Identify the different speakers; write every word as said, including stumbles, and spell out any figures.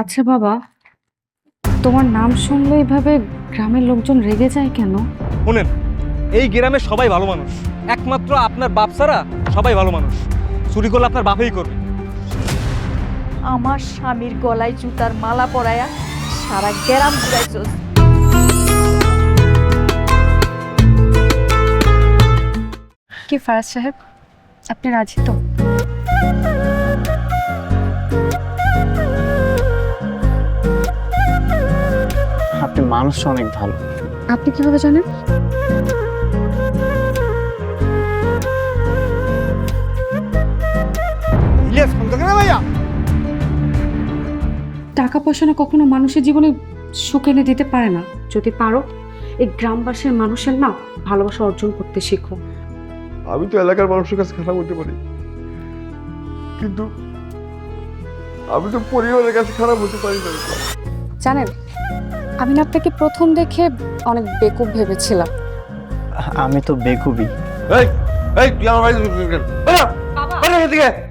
Speaker 1: আচ্ছা বাবা, তোমার নাম শুনলে এভাবে গ্রামের লোকজন রেগে যায় কেন?
Speaker 2: শুনেন, এই গ্রামে সবাই ভালো মানুষ, একমাত্র আপনার বাপ ছাড়া সবাই ভালো মানুষ। চুরি করলে আপনার বাপই করবে।
Speaker 3: আমার স্বামীর গলায় জুতার মালা পরায়া সারা গ্রাম ঘুরাইছস।
Speaker 1: কি ফারাজ সাহেব, আপনি রাজি তো?
Speaker 4: আপনি মানুষটা অনেক ভালো।
Speaker 1: আপনি কিভাবে জানেন?
Speaker 2: ইলিয়াস ফোন করে ভাইয়া।
Speaker 1: টাকা পয়সা না কখনো মানুষের জীবনে সুখ এনে দিতে পারে না। যদি পারো এই গ্রামবাসীর মানুষের না ভালোবাসা অর্জন করতে শিখো।
Speaker 5: আমি তো এলাকার মানুষের কাছে খারাপ হতে পারি, কিন্তু আমি তো পরিবারের কাছে খারাপ হতে পারি না।
Speaker 1: জানেন, আমি না আপনাকে প্রথম দেখে অনেক বেকুব ভেবেছিলাম।
Speaker 4: আমি তো বেকুবি।
Speaker 5: এই এই তুই আমার বাড়িতে ঢুকলি কেন? বেরো, বেরো এখান থেকে।